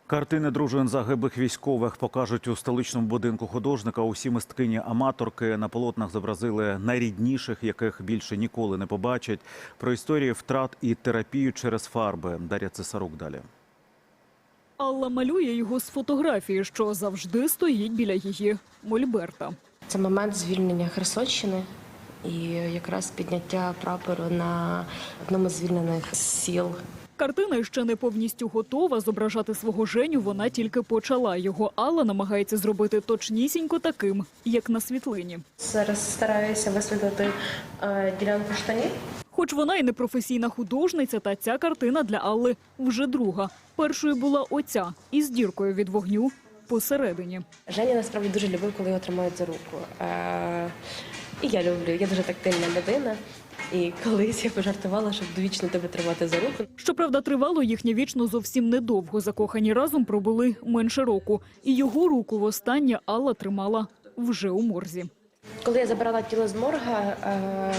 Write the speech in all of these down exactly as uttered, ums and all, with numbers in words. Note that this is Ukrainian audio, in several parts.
Картини дружин загиблих військових покажуть у столичному будинку художника. Усі мисткині-аматорки на полотнах зобразили найрідніших, яких більше ніколи не побачать. Про історії втрат і терапію через фарби. Дар'я Цесарук далі. Алла малює його з фотографії, що завжди стоїть біля її мольберта. Це момент звільнення Херсонщини і якраз підняття прапору на одному з звільнених сіл. Картина ще не повністю готова. Зображати свого Женю вона тільки почала. Його Алла намагається зробити точнісінько таким, як на світлині. Зараз стараюся висвітлити е, ділянку штанів. Хоч вона і не професійна художниця, та ця картина для Алли вже друга. Першою була оця, із діркою від вогню посередині. Женя насправді дуже любив, коли його тримають за руку. Е, і я люблю, я дуже тактильна людина. І колись я пожартувала, щоб довічно тебе тримати за руку. Щоправда, тривало їхнє вічно зовсім недовго. Закохані разом пробули менше року. І його руку востаннє Алла тримала вже у морзі. Коли я забирала тіло з морга, е,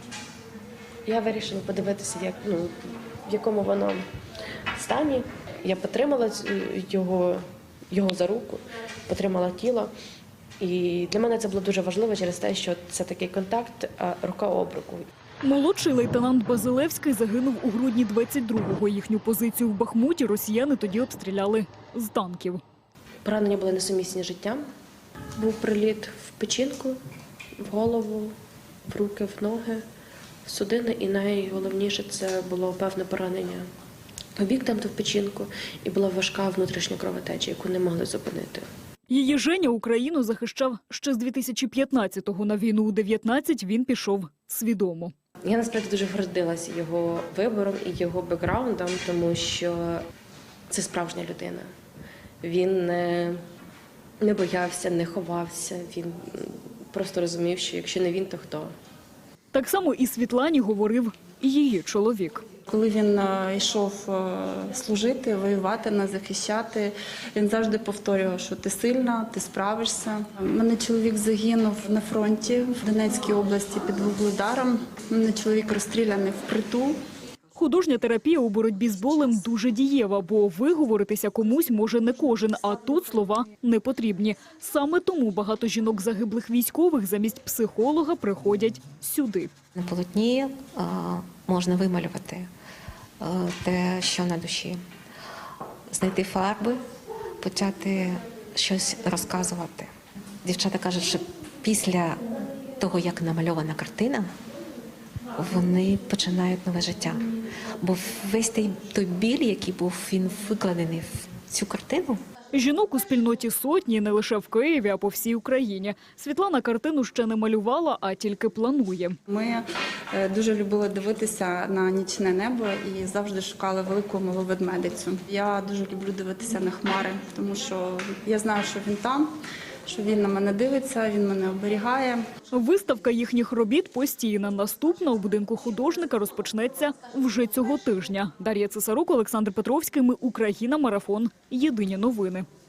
я вирішила подивитися, як, ну, в якому воно стані. Я потримала його, його за руку, потримала тіло. І для мене це було дуже важливо через те, що це такий контакт рука об руку. Молодший лейтенант Базилевський загинув у грудні двадцять другого. Їхню позицію в Бахмуті росіяни тоді обстріляли з танків. Поранення були несумісні з життям. Був приліт в печінку, в голову, в руки, в ноги, в судини. І найголовніше це було певне поранення об'єктом в печінку. І була важка внутрішня кровотеча, яку не могли зупинити. Її Женя Україну захищав ще з дві тисячі п'ятнадцятого. На війну у дев'ятнадцять він пішов свідомо. Я насправді дуже гордилася його вибором і його бекграундом, тому що це справжня людина. Він не, не боявся, не ховався, він просто розумів, що якщо не він, то хто. Так само і Світлані говорив і її чоловік. Коли він йшов служити, воювати, нас захищати, він завжди повторював, що ти сильна, ти справишся. У мене чоловік загинув на фронті в Донецькій області під Вугледаром. У мене чоловік розстріляний впритул. Художня терапія у боротьбі з болем дуже дієва, бо виговоритися комусь може не кожен, а тут слова не потрібні. Саме тому багато жінок загиблих військових замість психолога приходять сюди. На полотні а, можна вималювати а, те, що на душі, знайти фарби, почати щось розказувати. Дівчата кажуть, що після того, як намальована картина, вони починають нове життя. Бо весь той, той біль, який був він викладений в цю картину. Жінок у спільноті сотні не лише в Києві, а по всій Україні. Світлана картину ще не малювала, а тільки планує. Ми дуже любили дивитися на нічне небо і завжди шукали велику малу ведмедицю. Я дуже люблю дивитися на хмари, тому що я знаю, що він там, що він на мене дивиться, він мене оберігає. Виставка їхніх робіт постійна. Наступна у будинку художника розпочнеться вже цього тижня. Дар'я Цесарук, Олександр Петровський. Ми Україна. Марафон. Єдині новини.